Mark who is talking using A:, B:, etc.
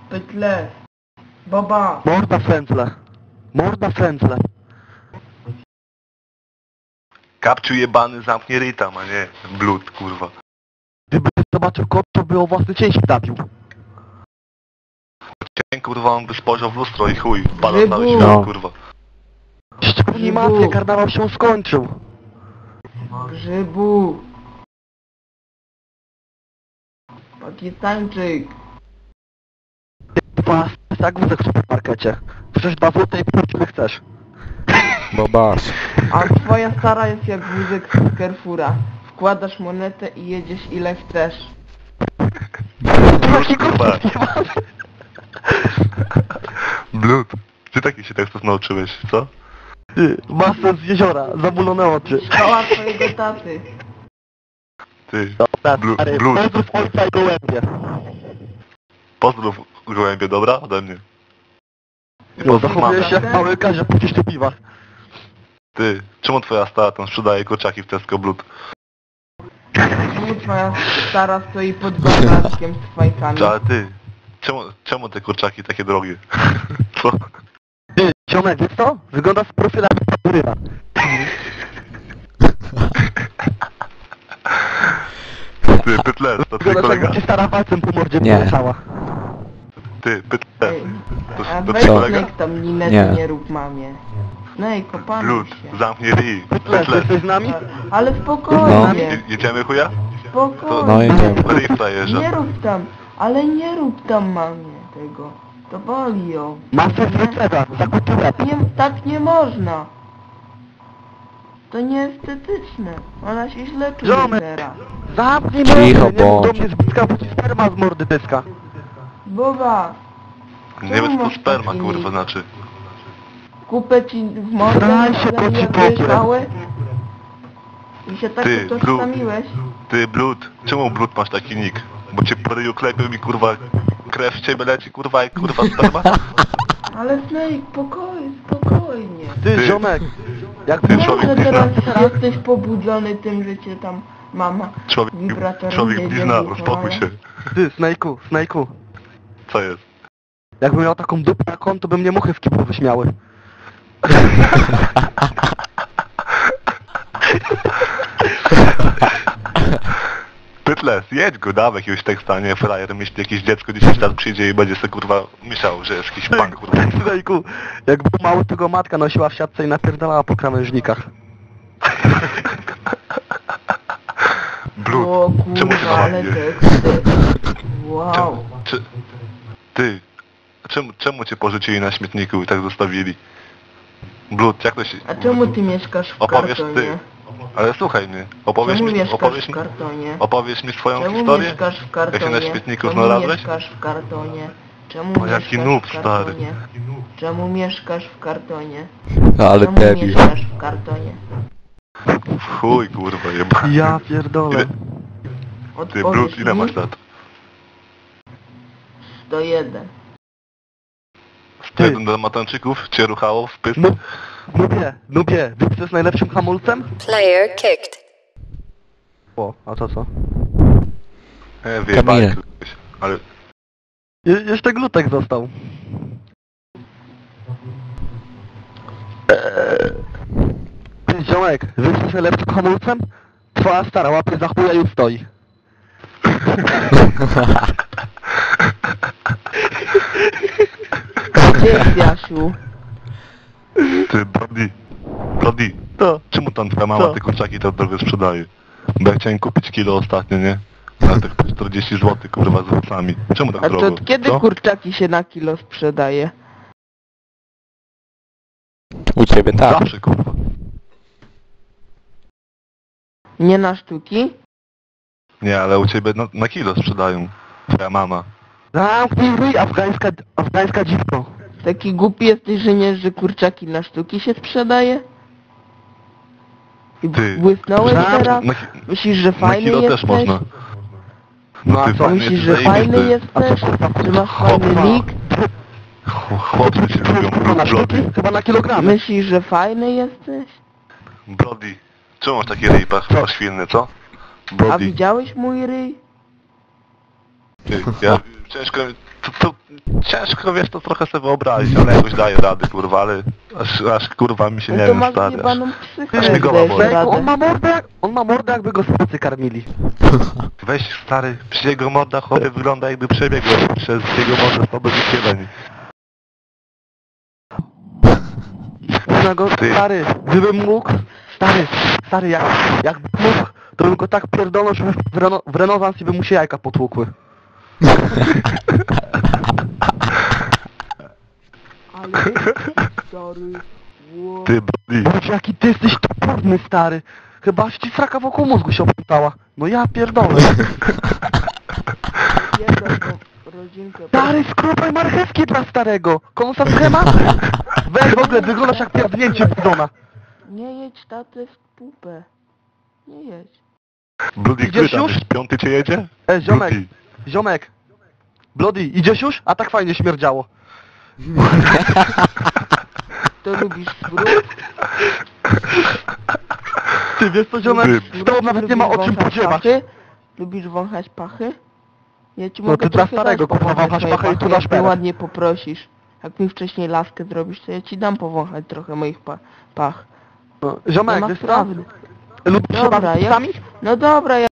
A: Pytle. Baba.
B: Morda frędzle. Morda frędzle.
C: Kapciu jebany zamknie ryj tam, a nie blut, kurwa.
B: Gdyby zobaczył kot, to by o własny cięć zabił.
C: Cień, kurwa, on by spojrzał w lustro i chuj, pada
A: Rybu.
C: cały świat,
B: No.
C: kurwa.
B: Szczególnie mafia, karnawał się skończył.
A: Grzybu. Pakistańczyk.
B: Dwa tak wózek w supermarkecie. Przecież 2 złote i pół chcesz.
D: Bobas.
A: A twoja stara jest jak wózek z Carrefoura. Wkładasz monetę i jedziesz ile chcesz.
C: Blut, kurwa. Blut. Ty taki się tekstów nauczyłeś, co?
B: Ty, masę z jeziora, zamulone oczy.
A: Szkoła twojego taty.
C: Ty,
B: Dobra,
C: Blu-
B: stary,
C: blues.
B: pozdrów ojca i gołębie.
C: pozdrów gołębie, dobra? Ode mnie. I
B: No,
C: pozdrów mamę.
B: zachowujesz się jak mały każe po ciszczy piwa.
C: Ty, czemu twoja stara tam sprzedaje kurczaki w Tesco Blut?
A: Czemu twoja stara stoi pod gospodarstwem z fajkami?
C: Ale ty, czemu te kurczaki takie drogie? Co?
B: Ty, ziomek, wiesz co? Wygląda z profilami Faturyna.
C: Ty, Pytles, to twój
B: Wygląda
C: kolega?
B: jakby ci stara palcem po mordzie
D: Nie.
B: poleciała.
C: Ty, Pytles,
A: Ej,
C: to
A: a
C: twój
A: weź
C: kolega?
A: Snake tam linety
D: Nie.
A: nie rób mamie. Snake, opanuj
C: Blut,
A: się.
C: zamknij ryj.
B: Pytles,
C: Pytles,
B: jesteś z nami?
A: Ale spokojnie.
C: jedziemy chuja?
A: Spokojnie.
D: No jedziemy.
C: Ryj frajerze.
A: Nie rób tam, ale nie rób tam mamie tego. To boli ją.
B: Masę z receta, zakup łeb.
A: Nie, tak nie można. To nieestetyczne. Ona się źle czuje
B: Ziomek.
A: teraz.
B: Zamknij
D: Cicho
B: mordę, nie mów do
D: bądź.
B: mnie z bliska, bo ci sperma z mordy dyska.
A: Boba,
C: Nie wiem co to sperma, kurwa, znaczy.
A: kupę ci w mordę,
B: Zraj się, to ci
A: jak
B: pokrę.
A: byłeś mały? I się tak
C: Ty,
A: utożsamiłeś?
C: Ty, Blut, czemu Blut masz taki nick? Bo cię po ryju klepią i kurwa krew z ciebie leci, kurwa, i kurwa sperma?
A: Ale Snake, spokojnie.
B: Ty,
C: Ty.
B: ziomek, jak
C: Ty,
A: Nie,
C: człowiek
A: że
C: blizna.
A: teraz jesteś pobudzony tym, że cię tam mama wibratorem
C: Człowiek
A: jedzie
C: blizna,
A: w
C: uspokój
A: ucho,
C: się.
B: Ty, Snake'u,
C: Co jest?
B: jakbym miał taką dupę na konto, to by mnie muchy w kiblu wyśmiały.
C: Pytles, jedź go, dawaj jakiegoś teksta, nie frajer, myśli jakieś dziecko 10 lat przyjdzie i będzie sobie kurwa myślał, że jest jakiś punk, kurwa.
B: Snake'u, jak był mały, to go matka nosiła w siatce i napierdalała po krawężnikach.
C: Blut,
A: O
C: czemu się
A: kurwa, ale
C: na
A: teksty. Wow.
C: Ty, czemu cię porzucili na śmietniku i tak zostawili? Blut, jak to się...
A: A czemu ty mieszkasz w
C: Opowiesz
A: kartonie?
C: ty. Ale słuchaj mnie,
A: Czemu mieszkasz w kartonie?
C: opowiesz mi swoją
A: Czemu
C: historię?
A: mieszkasz w
C: Jak
A: kartonie?
C: się na śmietniku
A: Czemu
C: znalazłeś?
A: mieszkasz w kartonie? Czemu
C: O, jaki
A: mieszkasz
C: noob,
A: w
C: stary.
A: kartonie? Czemu mieszkasz w kartonie?
D: Ale
A: Czemu
D: debil.
A: mieszkasz w kartonie?
C: Chuj, kurwa, jeba.
B: Ja pierdolę.
C: Ty,
A: Odpowiedz
C: Blut, ile
A: mi.
C: masz lat?
A: 101.
C: Jeden do matańczyków cię ruchało w pysk?
B: No, nubie, wiesz co jest najlepszym hamulcem?
E: Player kicked.
B: O, a to co?
C: Wyjebałeś
D: Kamil.
C: kogoś, ale...
B: Jeszcze glutek został. Ty, ziomek, wiesz co jest najlepszym hamulcem? Twoja stara łapie za chuja i już stoi.
A: Gdzie jest Jasiu?
C: Ty, Brody,
B: To.
C: czemu tam twoja mama
B: Co?
C: te kurczaki tak drogo sprzedaje? Bo ja chciałem kupić kilo ostatnio, nie? Na tych po 40 zł, kurwa, z owocami. Czemu tak
A: A
C: drogo?
A: to kiedy
C: Co?
A: kurczaki się na kilo sprzedaje?
D: U ciebie tak.
C: Zawsze, kurwa.
A: Nie na sztuki?
C: Nie, ale u ciebie na kilo sprzedają. Twoja mama.
B: Zamknij ryj, afgańska dziwko.
A: Taki głupi jesteś, że nie, że kurczaki na sztuki się sprzedaje? I
C: Ty.
A: błysnąłeś
B: Zamknij-
A: teraz?
C: Na,
A: Myślisz, że
C: na
A: fajny
C: kilo
A: jesteś?
C: też można.
B: No a
C: ty
B: co,
C: fajny
A: Myślisz,
C: jesteś,
A: że fajny
C: zajebisty.
A: jesteś? Że masz fajny nick?
C: Chłopcy cię lubią,
B: Na sztuki?
C: Brody.
B: Chyba na kilogramy.
A: Myślisz, że fajny jesteś?
C: Brody. Czemu masz taki ryj poświnny, co?
A: A
C: Brody.
A: widziałeś mój ryj?
C: Ty, ja ciężko to ciężko, wiesz, to trochę sobie wyobrazić, ale jakoś daje rady, kurwa, ale aż kurwa mi się
A: No
C: nie
A: to
C: wiem,
A: masz
C: stary.
A: jebaną psychę,
C: Aż
A: jak
C: mi głowa
A: dajesz
C: boli.
A: radę.
B: On ma mordę jakby go spacy karmili.
C: Weź, stary, przy jego morda chory wygląda jakby przebiegł przez jego mordę 100 wyświetleń.
B: Można go,
C: Ty.
B: stary, gdybym mógł, stary, jakbym mógł, to bym go tak pierdolnął, że w renesans i by mu się jajka potłukły.
A: Ale... Sorry.
C: Ty, Brody.
B: Boże, jaki ty jesteś toporny, stary. Chyba aż ci sraka wokół mózgu się opętała. No ja pierdolę.
A: Jedną tą rodzinkę...
B: Stary, skrupaj marchewki dla starego. Konusa schemat? Weź w ogóle, wyglądasz jak pierdnięcie bidona.
A: Nie jedź tatę w pupę. Nie jedź.
C: Brody,
B: Idziesz
C: który tam
B: już?
C: jest? Piąty cię jedzie?
B: Ziomek,
C: Brody.
B: ziomek. Bloody, idziesz już? A tak fajnie śmierdziało.
A: To lubisz smród?
B: Ty wiesz co, ziomek?
C: Ty.
B: Z tobą nawet nie ma o czym
A: Lubisz wąchać
B: podziewać.
A: pachy? Lubisz wąchać pachy? Ja ci
B: No
A: mogę
B: ty dla
A: trochę
B: starego,
A: dać
B: kurwa,
A: powąchać
B: wąchasz
A: moje
B: pachy i tu
A: pachy,
B: nasz
A: jak mnie
B: perek.
A: ładnie poprosisz. Jak mi wcześniej laskę zrobisz, to ja ci dam powąchać trochę moich pach.
B: No,
A: Nie
B: ziomek,
A: ma
B: wiesz co?
A: sprawy.
B: Lubisz się
A: Dobra,
B: bawić z
A: jak...
B: psami?
A: No dobra, ja